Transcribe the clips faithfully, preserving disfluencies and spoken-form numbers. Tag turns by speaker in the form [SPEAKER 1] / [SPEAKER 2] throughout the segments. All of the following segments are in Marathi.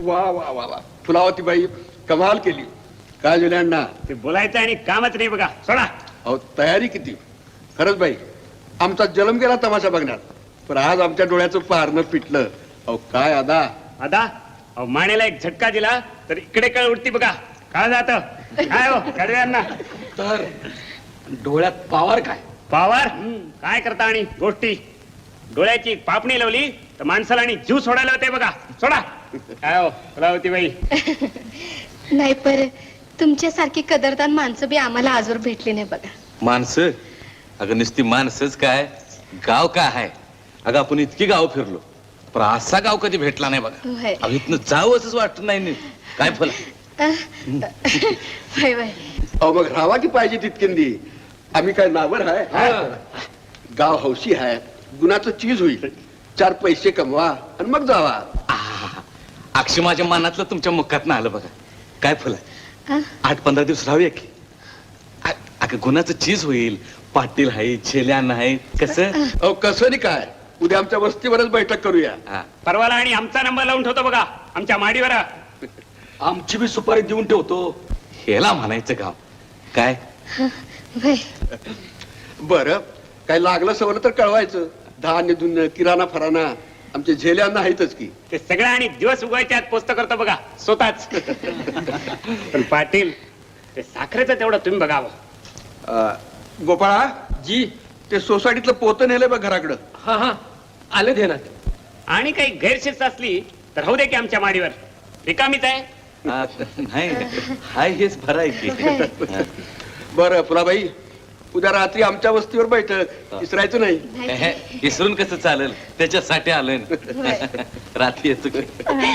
[SPEAKER 1] वा वा वा वा फुलावती बाई कमाल केली. काय जुले अण्णा
[SPEAKER 2] ते बोलायचं आणि कामच नाही बघा. सोडा.
[SPEAKER 1] अहो तयारी किती खरंच बाई. आमचा जन्म गेला तमाशा बघण्यात, पण आज आमच्या डोळ्याचं पारणं पिटलं. अहो काय आदा
[SPEAKER 2] आदा अहो मानेला एक झटका दिला तर इकडे कळ उठती बघा. काय जात काय हो कडव्यांना
[SPEAKER 1] तर डोळ्यात पावर काय
[SPEAKER 2] पावर काय करता आणि गोष्टी. डोळ्याची पापणी लावली तर माणसाला आणि जीव सोडायला होते बघा. सोडा. काय हो फुलावती बाई.
[SPEAKER 3] नाही पर तुमच्यासारखी कदरदान माणसं बी आम्हाला आजवर भेटली नाही बघा.
[SPEAKER 4] माणसं अगं नुसती माणसंच काय गाव काय आहे. अगं आपण इतकी गाव फिरलो पण असा गाव कधी भेटला नाही बघा.
[SPEAKER 3] होय.
[SPEAKER 4] अगं इथनं जावं असंच वाटत नाही नीट. काय फुला
[SPEAKER 3] होय होय.
[SPEAKER 1] अहो मग राहावा की पाहिजे तितकेंदी. आम्ही काय नावर आहे. गाव हौशी आहे, गुणाचं चीज होईल. चार पैसे कमवा आणि मग जावा.
[SPEAKER 4] अक्षय माझ्या मनातलं तुमच्या मुखात आलं बघा. काय फुला
[SPEAKER 3] अं?
[SPEAKER 4] आठ पंधरा दिवस राहूया की. अ- अगं गुणाचं चीज होईल. पाटील आहे छेल्या नाही कसं.
[SPEAKER 1] अहो कसं नाही काय, उद्या आमच्या वस्तीवरच बैठक करूया.
[SPEAKER 4] हा.
[SPEAKER 2] परवाला आणि आमचा नंबर लावून ठेवतो बघा आमच्या माडीवर.
[SPEAKER 1] आमची बी सुपारी देऊन ठेवतो.
[SPEAKER 4] हेला म्हणायचं गाव काय.
[SPEAKER 3] होय.
[SPEAKER 1] बरं काय लागलं सवरलं तर कळवायचं. धान्य धुन्य किराणा फराणा आमचे झेल्यांना आहेतच की.
[SPEAKER 2] ते सगळं आणि दिवस उगवायच्या आत पोस्त करतो बघा स्वतःच. पण पाटील ते साखरेचं तेवढं तुम्ही बघावं.
[SPEAKER 1] अं, गोपाळा
[SPEAKER 5] जी.
[SPEAKER 1] ते सोसायटीतलं पोतं नेलंय बघ घराकडं.
[SPEAKER 5] हा हा आले ध्यानात.
[SPEAKER 2] आणि काही गैरशिस्त असली तर राहू दे की आमच्या माडीवर. रिकामीच आहे.
[SPEAKER 4] हा, नाही हाय हेच बरं आहे की. हा.
[SPEAKER 1] बरं फुलाबाई उद्या रात्री आमच्या वस्तीवर बैठक. विसरायचं नाही.
[SPEAKER 4] हे, विसरून कसं चालेल त्याच्यासाठी आलोय ना. रात्री येतो की.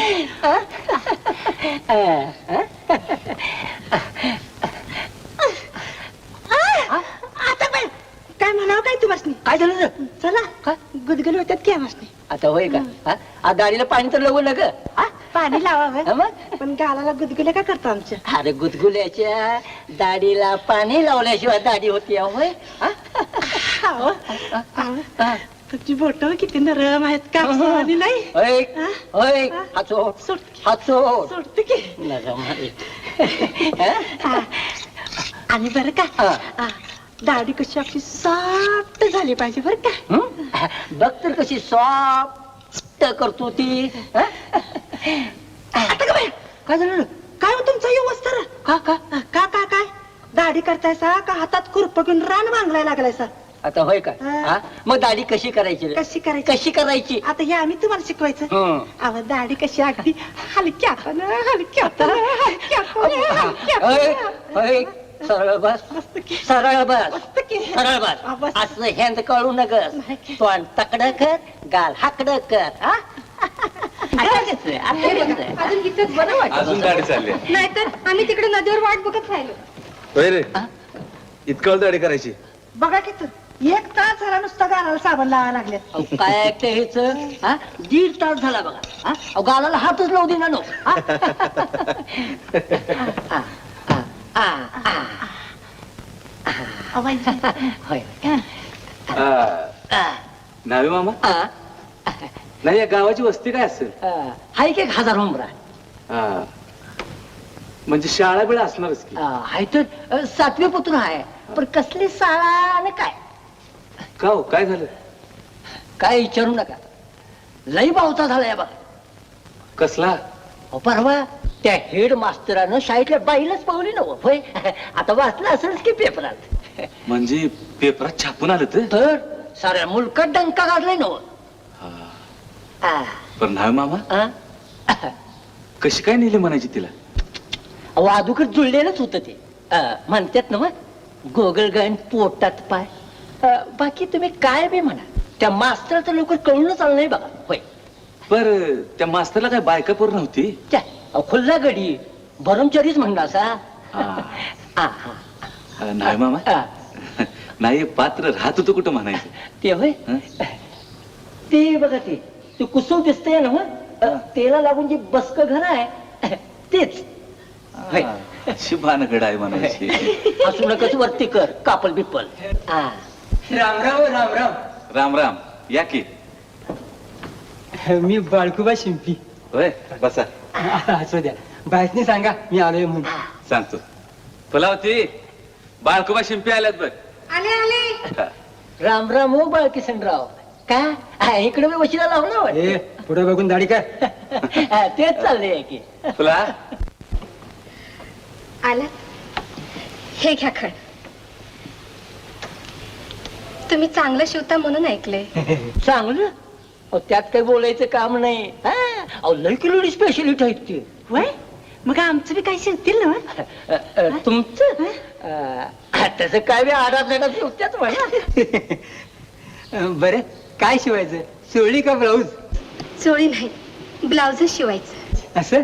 [SPEAKER 6] आता पण काय म्हणावं काय तुम्हाला. काय झालं चला का गुदगुल होत्यात की आम्हाला.
[SPEAKER 7] आता होय का हा? आ, गाडीला पाणी तर लावू नका.
[SPEAKER 6] आ, पाणी लावावं
[SPEAKER 7] हा मग?
[SPEAKER 6] पण गालाला गुदगुल्या का करतो आमच्या.
[SPEAKER 7] अरे गुदगुल्याच्या दाढीला पाणी लावल्याशिवाय दाढी होती होय. हा?
[SPEAKER 6] आहो, आहो. तुमची बोट किती नरम आहेत का आणि नाही.
[SPEAKER 7] होय
[SPEAKER 6] हा?
[SPEAKER 7] होय हाचो
[SPEAKER 6] सोड
[SPEAKER 7] हाचो
[SPEAKER 6] सोडते की.
[SPEAKER 7] नरम आहे.
[SPEAKER 6] आ, आणि बरं का
[SPEAKER 7] हा.
[SPEAKER 6] आ, दाढी कशी आपली सॉफ्ट झाली पाहिजे बरं का.
[SPEAKER 7] हं? बघ तर कशी सॉफ्ट करतो ती. हा?
[SPEAKER 6] आता का बाई काय झालं काय हो तुमचा व्यवस्था.
[SPEAKER 7] का का
[SPEAKER 6] का का काय दाढी करतायसा का हातात खुरप घेऊन रान बांगलाय लागलायसा.
[SPEAKER 7] आता होय का
[SPEAKER 6] हा.
[SPEAKER 7] हा? मग दाढी कशी करायची रे?
[SPEAKER 6] कशी करायची
[SPEAKER 7] कशी करायची.
[SPEAKER 6] आता हे आम्ही तुम्हाला शिकवायचं.
[SPEAKER 7] हं.
[SPEAKER 6] अहो दाढी कशी अगदी हलक्या हलक्या हलक्या
[SPEAKER 7] होय होय सरळ बस
[SPEAKER 6] मस्त की.
[SPEAKER 7] सरळ बस
[SPEAKER 6] मस्त की.
[SPEAKER 7] सरळ
[SPEAKER 6] हा,
[SPEAKER 7] बस
[SPEAKER 6] बस.
[SPEAKER 7] असं हेंद कळू नकस. तोंड तकड कर गाल हाकड कर. हा? आता कसं? आता कसं?
[SPEAKER 3] अजून इथंच बरं वाटत.
[SPEAKER 4] अजून गाडी चालली
[SPEAKER 3] नाहीतर आम्ही तिकडे नदीवर वाट बघत राहिलो.
[SPEAKER 4] होय रे. इतकं दाढी करायची.
[SPEAKER 6] बघा की तू एक तास झाला नुसता गालाला साबण लावायला लागले.
[SPEAKER 7] अहो, काय ऐकते हेच हा? दीड तास झाला बघा. हा? अहो, गालाला हातच लावू दे ना नो. हा? आ, आ, आ, आ. होय. आ,
[SPEAKER 5] नावे मामा
[SPEAKER 7] आ,
[SPEAKER 5] नाही या गावाची वस्ती काय असेल.
[SPEAKER 7] आ. हाय की एक हजार उमरा.
[SPEAKER 5] हा. म्हणजे शाळा बिळा असणारच की.
[SPEAKER 7] आ, हाय तर अ, सातवी पुत्र आहे पण कसली शाळा आणि काय
[SPEAKER 5] का हो काय झालं.
[SPEAKER 7] काय विचारू नका. लई पावसा झालाय बघा.
[SPEAKER 5] कसला.
[SPEAKER 7] अहो, परवा त्या हेड मास्तरानं शाळेतल्या बाईलाच पावली नव होय. आता वाचलं असेलच की पेपरात.
[SPEAKER 5] म्हणजे पेपरात छापून आलं तर.
[SPEAKER 7] तर साऱ्या मुलकात डंका काढलाय नव.
[SPEAKER 5] पण नावे मामा कशी काय नेली म्हणायची तिला.
[SPEAKER 7] वादुकड जुळलेलंच होतं ते. अ, म्हणतात ना मग गोगलगण पोटात पाय. अ, बाकी तुम्ही काय बी म्हणा त्या मास्तराचं लवकर कळूनच आलं नाही बघा होय.
[SPEAKER 5] बर त्या मास्तरला काय बायका पोर नव्हती.
[SPEAKER 7] त्या अहो, खुल्ला गडी भरमचरीच म्हणला असा.
[SPEAKER 5] हा. नाही मामा नाही पात्र राहत होतं कुठं म्हणायचं.
[SPEAKER 7] ते होय.
[SPEAKER 5] हं?
[SPEAKER 7] ते बघा ते ते कुसव दिसतंय ना मग तेला लागून जे बसक घर आहे तेच होय.
[SPEAKER 5] शिभानगड आहे म्हणायची.
[SPEAKER 7] असू नकच वरती कर कापल बिप्पल. हा.
[SPEAKER 8] राम राम राम राम.
[SPEAKER 5] राम राम या की.
[SPEAKER 8] मी बाळकुबा शिंपी.
[SPEAKER 5] होय बसा.
[SPEAKER 8] असू द्या बायसनी सांगा मी आलोय म्हणून.
[SPEAKER 4] सांगतो. फुलावती बाळकुबा शिंपी आल्यात बघ.
[SPEAKER 3] आले आले.
[SPEAKER 7] राम राम हो बाळकिशनराव. का हा, इकडे मी वशिला लावला वाटतं.
[SPEAKER 8] ए पुढे बघून दाढी काय.
[SPEAKER 7] हा, तेच चाललंय की.
[SPEAKER 4] फुला
[SPEAKER 3] आला. हे घ्या खण. तुम्ही चांगलं शिवता म्हणून ऐकले.
[SPEAKER 7] चांगलं अहो, त्यात काही बोलायचं काम नाही. हा, अहो लय किलो स्पेशलिटी आहेत ती.
[SPEAKER 6] वय मग आमचं बी काही शिवतील ना
[SPEAKER 7] अ, अ, तुमचं अ, तसं काय बी आडात लाडात शिवत्याच म्हणा.
[SPEAKER 8] बरं काय शिवायचं सोळी का ब्लाऊज.
[SPEAKER 3] चोळी नाही ब्लाउजच शिवायचं.
[SPEAKER 8] असं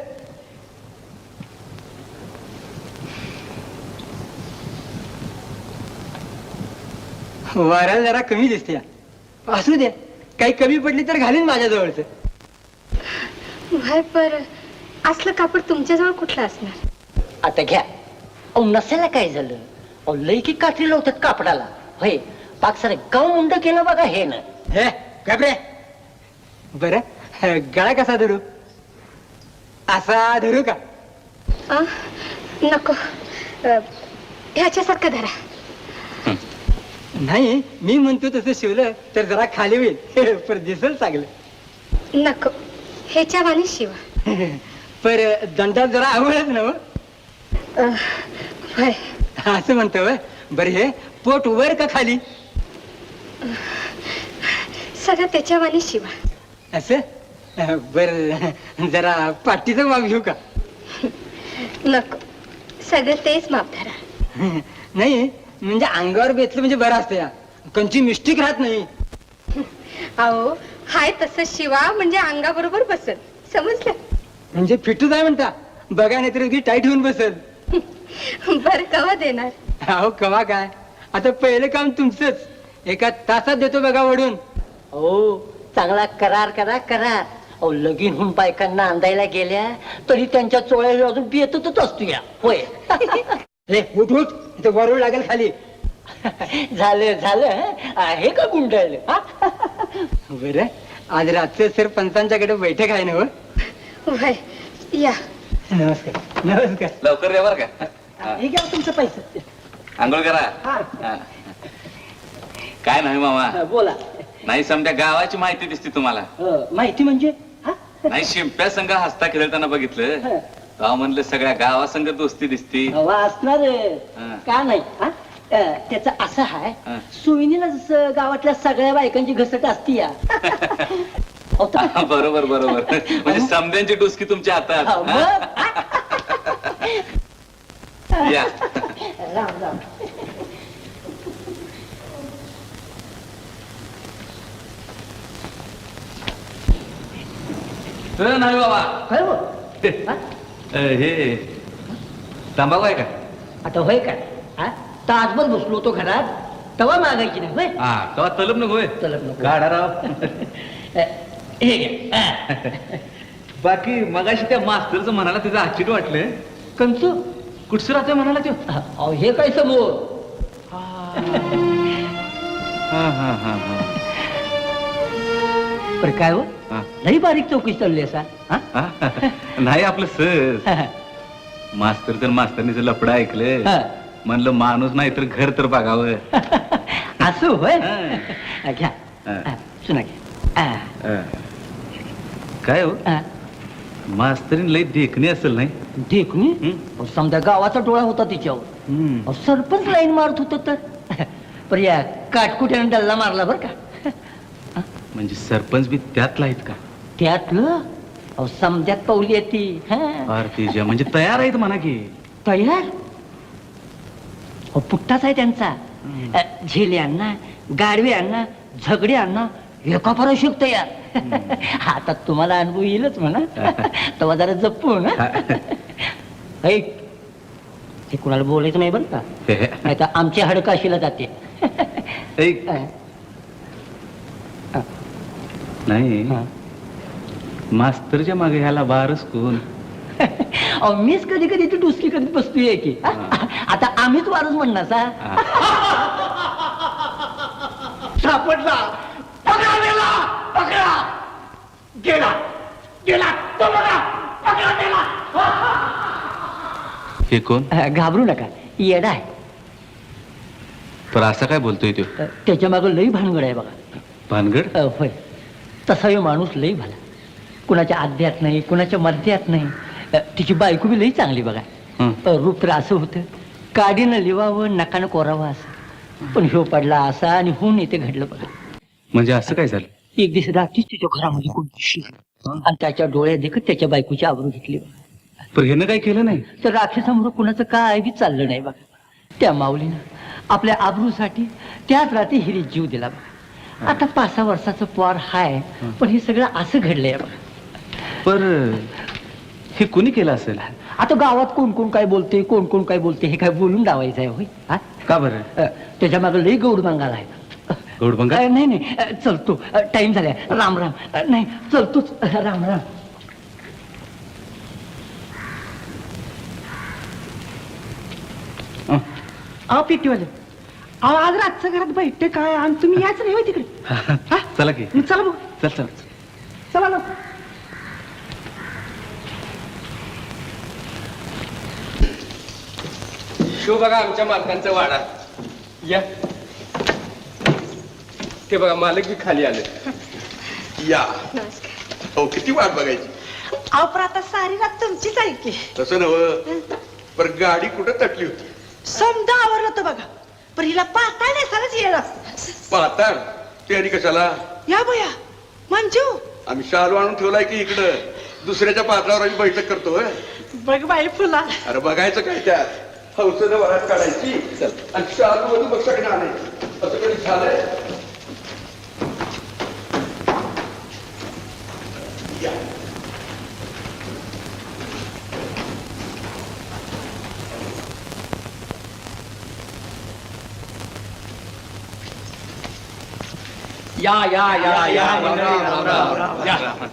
[SPEAKER 8] वारा जरा कमी दिसते. असू द्या काही कमी पडली तर घालीन माझ्या जवळच.
[SPEAKER 3] व्हय पर असलं कापड तुमच्याजवळ कुठलं असणार.
[SPEAKER 7] आता घ्या. अहो नसायला काय झालं. अहो लय की काठी लावतात कापडाला. होय पाक सारे गाव मुंड केलं बघा हे ना.
[SPEAKER 8] हे काय बर गळा कसा धरू. असा धरू का.
[SPEAKER 3] आ? नको अ, ह्याच्यासारखं धरा.
[SPEAKER 8] नाही मी म्हणतो तसं शिवलं तर जरा खाली होईल पर दिसल चांगलं.
[SPEAKER 3] नको ह्याच्या वाणी शिवा.
[SPEAKER 8] पर दंडात जरा आवडच ना हो.
[SPEAKER 3] अ, व्हय
[SPEAKER 8] असं म्हणतो व्हय. बरं हे पोट वर का खाली.
[SPEAKER 3] सगळं त्याच्या वाणी शिवा.
[SPEAKER 8] असं बर जरा पाठीचं माप घेऊ का.
[SPEAKER 3] नको सगळं तेच माप धरा.
[SPEAKER 8] नाही म्हणजे अंगावर बेतलं म्हणजे बरं असतं या. कंची मिस्टेक राहत नाही.
[SPEAKER 3] अहो हाय तसं शिवा म्हणजे अंगाबरोबर बसल. समजलं.
[SPEAKER 8] म्हणजे फिटू जाय म्हणता. बघा नाही तर टाईट होऊन बसल.
[SPEAKER 3] बर कवा देणार.
[SPEAKER 8] अहो कवा काय आता पहिलं काम तुमचंच. एका तासात देतो बघा वडून.
[SPEAKER 7] हो चांगला करार करा करार. अहो लगीन होऊन बायकांना अंदायला गेल्या तरी त्यांच्या चोळ्या अजून बेतच असतो या. होय
[SPEAKER 8] हे उठ उठ इथं वरून लागेल खाली.
[SPEAKER 7] झालं झालं. आहे का गुंडळलं.
[SPEAKER 8] बर आज रात्री सर पंचांच्याकडे बैठक आहे ना हो.
[SPEAKER 3] व्हय या.
[SPEAKER 8] नमस्कार नमस्कार.
[SPEAKER 4] लवकर रे बर का. हा.
[SPEAKER 6] हे घ्या तुमचं पैसे.
[SPEAKER 4] आंघोळ करा. हा. काय नाही मामा.
[SPEAKER 7] हा, बोला.
[SPEAKER 4] नाही समजा गावाची माहिती दिसते तुम्हाला.
[SPEAKER 7] अ, माहिती म्हणजे हा?
[SPEAKER 4] नाही शिंप्या संघ हसता खेळताना बघितलं.
[SPEAKER 7] हा.
[SPEAKER 4] गाव म्हणलं सगळ्या गावासंग दोस्ती दिसती.
[SPEAKER 7] हवा असणार
[SPEAKER 4] हा.
[SPEAKER 7] का नाही हा? अ, त्याचं असं आहे
[SPEAKER 4] हा.
[SPEAKER 7] सुविनीला जसं गावातल्या सगळ्या बायकांची घसट असती या. अहो, तर-
[SPEAKER 4] हा, बरोबर बरोबर म्हणजे समद्यांची डुसकी तुमच्या
[SPEAKER 7] हा,
[SPEAKER 4] हातात.
[SPEAKER 7] मग?
[SPEAKER 4] हा? या
[SPEAKER 7] राम राम.
[SPEAKER 4] अ, नाही बाबा.
[SPEAKER 7] काय हो? हा?
[SPEAKER 4] अ, हे तंबाखू आहे का.
[SPEAKER 7] आता होय काय हा? तासभर बसलो होतो घरात तवा मागायची नाही होय.
[SPEAKER 4] हा तेव्हा तलब नको होय.
[SPEAKER 7] तलब नको.
[SPEAKER 4] गाडा राव.
[SPEAKER 7] अ, हे घ्या. हा.
[SPEAKER 4] बाकी मगाशी त्या मास्तरचं म्हणाला त्याचं आश्चर्य वाटलं.
[SPEAKER 7] कंचू
[SPEAKER 4] कुठचं राहतोय म्हणाला तो.
[SPEAKER 7] अहो हे काय समोर.
[SPEAKER 4] हा हा हा हा
[SPEAKER 7] पर काय हो
[SPEAKER 4] हा.
[SPEAKER 7] लई बारीक चौकशी चालली असा हा?
[SPEAKER 4] हा. नाही आपलं सर मास्तर तर मास्तरनीचं लफडं ऐकलं.
[SPEAKER 7] हा.
[SPEAKER 4] म्हणलं माणूस नाही तर घर तर बघावं.
[SPEAKER 7] असं होय.
[SPEAKER 4] हा.
[SPEAKER 7] घ्या
[SPEAKER 4] हा.
[SPEAKER 7] हा, सुना घ्या. हा.
[SPEAKER 4] अ, काय हो
[SPEAKER 7] हा.
[SPEAKER 4] मास्तरीन लई देखणी असेल नाही.
[SPEAKER 7] देखणी
[SPEAKER 4] हं?
[SPEAKER 7] अहो, समजा गावाचा डोळा होता तिच्यावर.
[SPEAKER 4] हम्म.
[SPEAKER 7] अहो, सरपंच लाईन मारत होत तर पर या काटकुट्यानं डल्ला मारला बर का.
[SPEAKER 4] म्हणजे सरपंच बी त्यातला आहेत का.
[SPEAKER 7] त्यातलं अहो समद्यात पावली येते
[SPEAKER 4] आरतीच्या म्हणजे तयार आहेत म्हणा की.
[SPEAKER 7] तयार अहो पुट्टाच आहे त्यांचा. अ, झेल्यांना गाडव्यांना झगड्यांना एका पराशोक तयार. आता तुम्हाला अनुभव येईलच म्हणा. तेव्हा जरा जपून हं? ऐक हे कुणाला बोलायचं नाही बरं का. नाही तर आमची हडकाशीला जाते.
[SPEAKER 4] ऐक. नाही
[SPEAKER 7] हा.
[SPEAKER 4] मास्तरच्या मागे ह्याला बारस कोण.
[SPEAKER 7] अहो मीच कधी कधी ती डुसकी कधी बसतोय की हा? आता आम्हीच वारच म्हणणार सा. सापडला पकडा गेला पकडा गेला गेला तो बघा
[SPEAKER 4] हे कोण
[SPEAKER 7] अ, घाबरू नका येडा आहे.
[SPEAKER 4] पण असा काय बोलतोय तो
[SPEAKER 7] अ, त्याच्या मागं लई भानगड आहे बघा.
[SPEAKER 4] भानगड
[SPEAKER 7] अ, होय तसा हे माणूस लई भला, कुणाच्या आद्यात नाही कुणाच्या मध्यात नाही. अ, तिची बायको बी लई चांगली बघा.
[SPEAKER 4] हं.
[SPEAKER 7] अ, रूप तर असं होतं, काडीनं लिवावं नकानं कोरावं असं. पण ह्यो पडला असा आणि होऊन इथे घडलं बघा.
[SPEAKER 4] म्हणजे असं काय झालं?
[SPEAKER 7] एक दिवस रात्रीच तिच्या घरामध्ये कोण दिसलं आणि त्याच्या डोळ्यात देखत त्याच्या बायकोची आबरू घेतली बघा.
[SPEAKER 4] पण ह्यानं काय केलं नाही?
[SPEAKER 7] तर राक्षसामुळे कुणाचं काय बी चाललं नाही बघा. त्या माऊलीनं आपल्या आबरूसाठी त्याच रात्री हिरीत जीव दिला बघा. आता पाच सहा वर्षाचं पोर हाय, पण हे सगळं असं घडलंय बघा.
[SPEAKER 4] पर हे कुणी केलं असेल?
[SPEAKER 7] आता गावात कोण कोण काय बोलते कोण कोण काय बोलते हे काय बोलून लावायचं आहे होय? हा?
[SPEAKER 4] का बरं?
[SPEAKER 7] अ, त्याच्या मागे लई गौड बंगाल आहे.
[SPEAKER 4] गौडबंगा?
[SPEAKER 7] अ, नाही नाही अ, चलतो टाइम झालाय. राम राम. अ, नाही चलतोच. अ, राम राम.
[SPEAKER 6] अहो पेटीवाले, अहो आज रातचं घरात बैठक काय आणि तुम्ही याच नाही होय तिकडे. हा?
[SPEAKER 4] चला की.
[SPEAKER 6] मग चला बघ,
[SPEAKER 4] चल चल.
[SPEAKER 6] चला ना.
[SPEAKER 8] शो बघा आमच्या मालकांचा वाडा. या ते बघा मालक बी खाली आले.
[SPEAKER 1] या
[SPEAKER 3] नमस्कार.
[SPEAKER 1] हो किती वाट बघायची.
[SPEAKER 6] अहो पण आता सारी रात तुमचीच आहे की.
[SPEAKER 1] तसं नव पर गाडी कुठं तटली होती.
[SPEAKER 6] समजा आवरलं होतं बघा, पण हिला पाहता नाही सारच येणार.
[SPEAKER 1] पाहता ते आणि कशाला.
[SPEAKER 6] या बया मंजू,
[SPEAKER 1] आम्ही शालू आणून ठेवलाय की इकडं दुसऱ्याच्या पात्रावर आम्ही बैठक करतो होय.
[SPEAKER 6] बघ बाई फुला.
[SPEAKER 1] अरे बघायचं काय त्यात, हौसेनं वरात काढायची आणि शालू मधून बक्षाकडे आणायची. असं कधी झालंय. या.
[SPEAKER 8] या या या या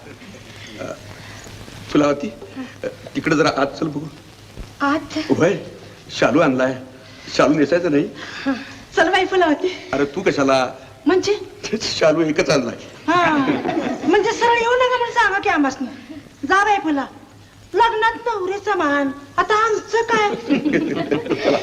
[SPEAKER 1] फुलावती तिकडे जरा आत चल बघू.
[SPEAKER 3] आज
[SPEAKER 1] होय शालू आणलाय. शालू नेसायचं नाही.
[SPEAKER 6] चल बाई फुला होती.
[SPEAKER 1] अरे तू कशाला.
[SPEAKER 6] म्हणजे
[SPEAKER 1] शालू एकच आणलाय.
[SPEAKER 6] हा म्हणजे सरळ येऊ नका म्हणून सांगा की आम्हाला. जा बाई फुला, लग्नात नवरीचा मान, आता आमचं काय.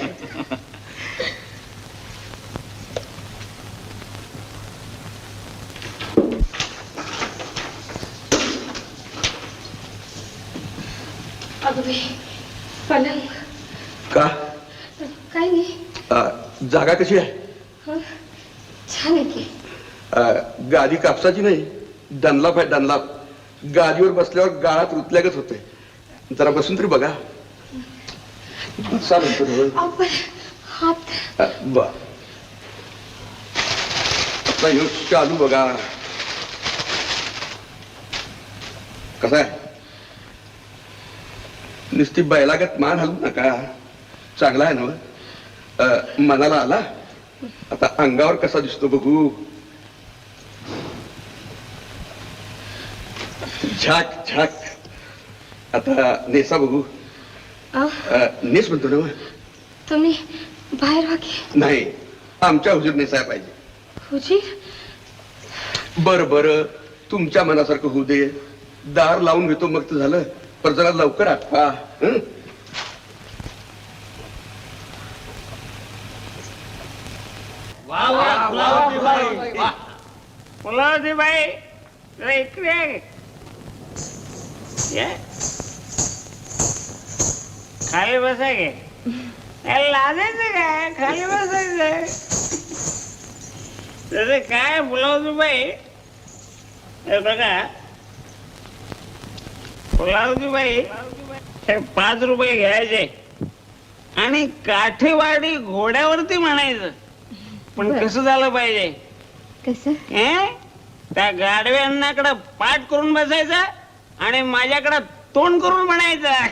[SPEAKER 3] अगं बाई, पलंग
[SPEAKER 1] का
[SPEAKER 3] काय नाही.
[SPEAKER 1] आ, जागा कशी आहे.
[SPEAKER 3] हं? छान आहे की.
[SPEAKER 1] आ, गादी कापसाची नाही, डनलाप आहे डनलाप. गादीवर बसल्यावर गाळात रुतल्यागच होते. जरा बसून तरी बघा. चालेल तर होय.
[SPEAKER 3] अहो, पण हात
[SPEAKER 1] आ, ब- आता ह्यो शालू बघा कसा आहे. नुसती बैलागत मान हलवू नका. चांगला आहे ना. मनाला आला. आता अंगावर कसा दिसतो बघू. झाक झाक. आता नेसा बघू.
[SPEAKER 3] अहो,
[SPEAKER 1] अ, नेस म्हणतो ना.
[SPEAKER 3] तुम्ही बाहेर व्हा की.
[SPEAKER 1] नाही आमच्या हुजूर नेसाय पाहिजे.
[SPEAKER 3] हुजीर
[SPEAKER 1] बर बर तुमच्या मनासारखं होऊ दे. दार लावून घेतो मग तर झालं. पर जरा लवकर आठवा. हं?
[SPEAKER 2] फुलावती बाई जरा इकडे ये. ये. खाली बसा गे. काय लाजायचं काय, खाली बसायचं. तसं काय फुलावती बाई, हे बघा फुलावती बाई, हे पाच रुपये घ्यायचे आणि काठीवाडी घोड्यावरती म्हणायचं. पण कसं झालं पाहिजे.
[SPEAKER 3] कसं.
[SPEAKER 2] हे? त्या गाडवे अण्णाकडं पाठ करून बसायचं आणि माझ्याकडं तोंड करून म्हणायचं.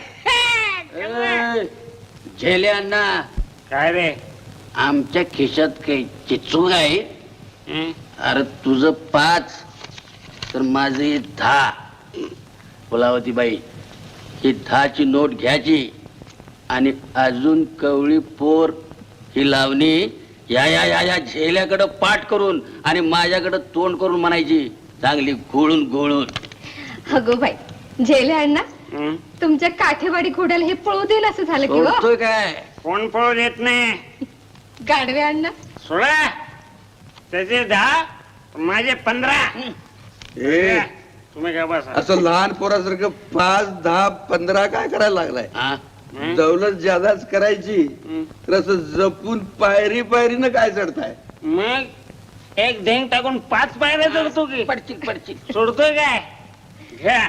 [SPEAKER 9] झेले अण्णा,
[SPEAKER 2] काय रे.
[SPEAKER 9] आमच्या खिशात काही चिचूक आहे.
[SPEAKER 2] हं?
[SPEAKER 9] अरे तुझं पाच तर माझे दहा. फुलावती बाई, ही दहाची नोट घ्यायची आणि अजून कवळी पोर ही लावणी या या या या झेल्याकडं पाठ करून आणि माझ्याकडं तोंड करून म्हणायची चांगली घोळून घोळून.
[SPEAKER 3] अगो बाई, झेले अण्णा
[SPEAKER 2] हं?
[SPEAKER 3] तुमच्या काठेवाडी घोड्याला हे पळू देईल असं झालं की हो
[SPEAKER 9] ओळखतोय काय
[SPEAKER 2] कोण पळू देत नाही.
[SPEAKER 3] गाडवे अण्णा.
[SPEAKER 2] सोळा त्याचे दहा माझे पंधरा.
[SPEAKER 1] ए
[SPEAKER 2] तुम्ही काय बसा.
[SPEAKER 1] असं लहान पोरासारखं पाच दहा पंधरा काय करायला लागलाय.
[SPEAKER 9] हा
[SPEAKER 2] हं?
[SPEAKER 1] दौलत ज्यादाच करायची
[SPEAKER 2] हं.
[SPEAKER 1] तर असं जपून पायरी पायरीनं काय चढताय.
[SPEAKER 2] मग एक ढेंग टाकून पाच पायऱ्या चढतो की
[SPEAKER 9] पडचिक पडचिक
[SPEAKER 2] सोडतोय काय. घ्या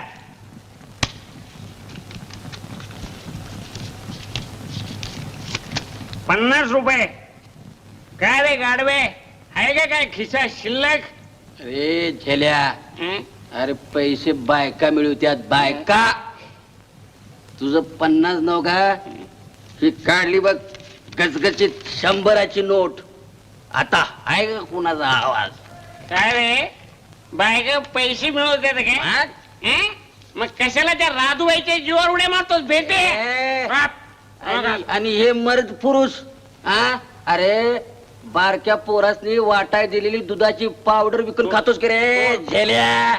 [SPEAKER 2] पन्नास रुपये. काय रे गाडवे आहे का काय खिसा शिल्लक.
[SPEAKER 9] अरे झेल्या
[SPEAKER 2] हं?
[SPEAKER 9] अरे पैसे बायका मिळवत्यात बायका. तुझं पन्नास नव का ही काढली बघ गचगचीत शंभराची नोट. आता आहे का कुणाचा आवाज.
[SPEAKER 2] काय रे बायका पैसे मिळवते काय.
[SPEAKER 9] हा?
[SPEAKER 2] हं? मग कशाला त्या राधूबाईच्या जीवावर उड्या मारतोस भेटे.
[SPEAKER 9] ए, आणि आणि हे मर्द पुरुष हा अरे बारक्या पोरासनी वाटाय दिलेली दुधाची पावडर विकून खातोस की रे झेल्या.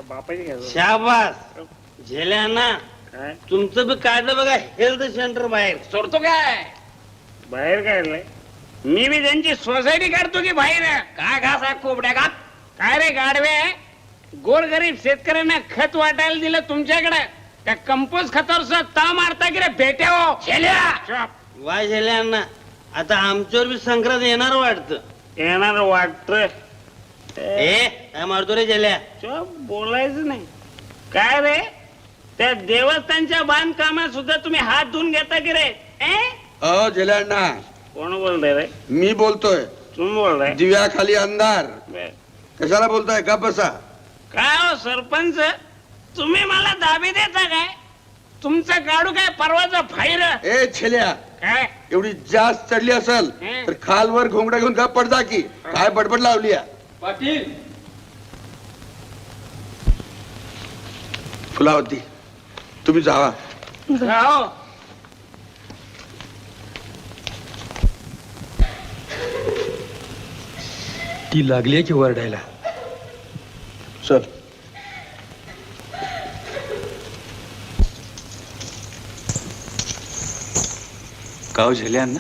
[SPEAKER 2] शाबास झेल्या ना. तुमचं बी काढलं बघा हेल्थ सेंटर बाहेर.
[SPEAKER 9] सोडतो काय
[SPEAKER 2] बाहेर काढलंय मी बी त्यांची सोसायटी काढतो की बाहेर.
[SPEAKER 9] काय घास आहे कोबड्या घात.
[SPEAKER 2] काय रे गाडवे गोरगरीब शेतकऱ्यांना खत वाटायला दिलं तुमच्याकडे त्या कंपोस्ट खतावर सुद्धा ता मारता की रे भेटे हो.
[SPEAKER 9] झेल्या
[SPEAKER 2] वा झेल्यांना आता आमच्यावर बी संक्रांत येणार वाटत. येणार वाटत. ए काय मारतो रे झेल्या. बोलायचं नाही. काय रे त्या देवस्थानच्या बांधकामात सुद्धा तुम्ही हात धुवून घेता की रे. ए?
[SPEAKER 1] अ झेल्यांना
[SPEAKER 2] कोण बोलताय रे.
[SPEAKER 1] मी बोलतोय.
[SPEAKER 2] तुम्ही बोलताय.
[SPEAKER 1] दिव्याखाली अंधार कशाला बोलताय का बसा.
[SPEAKER 2] काय हो सरपंच तुम्ही मला दाबी देता काय. तुमचं गाडू काय परवाचा फायर.
[SPEAKER 1] ए छेल्या
[SPEAKER 2] काय
[SPEAKER 1] एवढी जास्त चढली असेल
[SPEAKER 2] हं.
[SPEAKER 1] तर खालवर घोंगडा घेऊन गप पड जा की. काय बडबड लावली आहे?
[SPEAKER 5] पाटील
[SPEAKER 1] फुलावती तुम्ही जावा.
[SPEAKER 2] हो
[SPEAKER 8] ती लागली की वरडायला.
[SPEAKER 1] चल
[SPEAKER 5] गाव झेल्यांना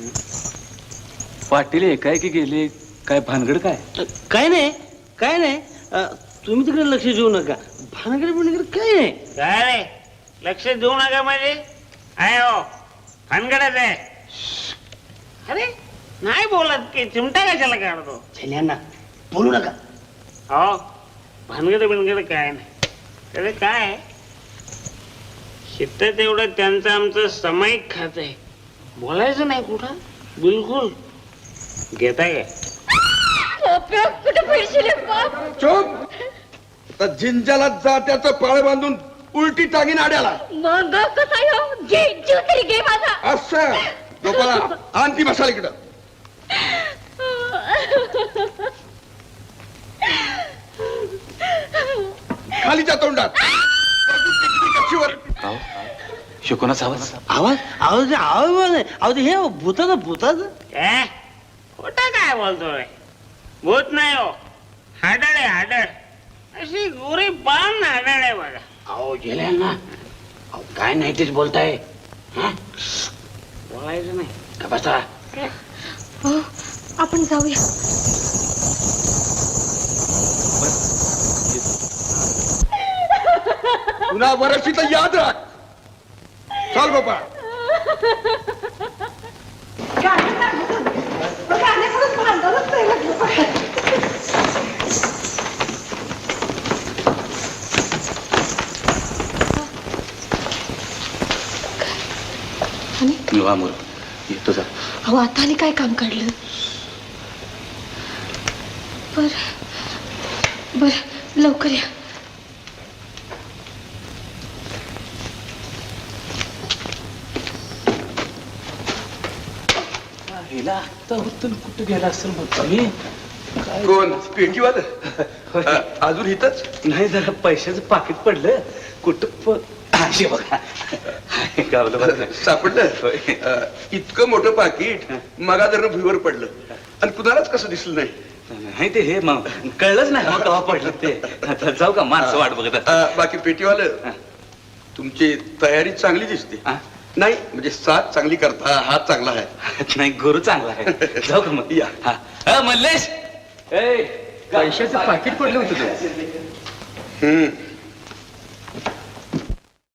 [SPEAKER 5] पाटील एकाएकी गेले काय भानगड काय.
[SPEAKER 10] काय नाही काय नाही अ, तुम्ही तिकडे लक्ष देऊ नका. भानगड बिनगड काय नाही.
[SPEAKER 2] काय रे लक्ष देऊ नका माझे. आहे हो भानगडच आहे. अरे नाही बोलत की चिमटा कशाला काढतो.
[SPEAKER 10] झेल्यांना बोलू नका.
[SPEAKER 2] हो भानगड बिनगड काय नाही. अरे काय शिट्ट तेवढं त्यांचं आमचं सामायिक खात आहे. बोलायचं नाही कुठं बिलकुल. घेताय काय
[SPEAKER 3] कुठे पैसे रे बाप.
[SPEAKER 1] चुप. आता जिंजाला जात्याचं पाळ बांधून उलटी टाकीन आड्याला.
[SPEAKER 3] मग कसा हो घे जीव तरी घे माझा.
[SPEAKER 1] असं गोपाळा आण ती मसाला इकडं. खालीच्या तोंडात कशीवर.
[SPEAKER 5] गाव शिकोनाचा आवाज.
[SPEAKER 10] आवाज आवाज आवाज नाही. आवाज हे भूताचं भूताचं.
[SPEAKER 2] ए खोटा काय बोलतोय. भूत नाही हो हाडळ आहे हाडळ. अशी गोरी पान हाडळ आहे बघा.
[SPEAKER 9] अहो झेल्यांना अहो काय नाही तेच बोलताय. हा?
[SPEAKER 2] बोलायचं नाही.
[SPEAKER 9] का बसा.
[SPEAKER 3] हो आपण जाऊया.
[SPEAKER 1] पुन्हा वर्षी तर याद राख. चाल गोपाळ.
[SPEAKER 6] गाण्याकडून भांडणच नाही लागलं बघा.
[SPEAKER 5] निवामूर येतो जा.
[SPEAKER 3] अहो आता आणि काय काम काढलं. बर बर लवकर या.
[SPEAKER 5] हिला आता होतं कुठं गेला असेल मग तुम्ही.
[SPEAKER 1] कोण पेटीवालं अजून इथंच.
[SPEAKER 5] नाही जरा पैशाचं पाकिट पडलं कुठं प- अशी बघा गावलं बरं.
[SPEAKER 1] सापडलं. अं, इतकं मोठं पाकिट मगा जर भुईवर पडलं आणि कुणालाच कसं दिसलं नाही.
[SPEAKER 5] नाही ते हे मग कळलंच नाही मग केव्हा पडलं ते. आता जाऊ का माणसं वाट बघत असतात.
[SPEAKER 1] अं, बाकी पेटीवालं तुमची तयारी चांगली दिसते
[SPEAKER 5] हा?
[SPEAKER 1] नाही म्हणजे साथ चांगली करता हात चांगला आहे.
[SPEAKER 5] नाही गुरु चांगला आहे जाऊ का मग
[SPEAKER 1] या.
[SPEAKER 5] हा अ, मल्लेश ए,
[SPEAKER 8] पैशाचं पाकिट पडलं होतं
[SPEAKER 1] हम्म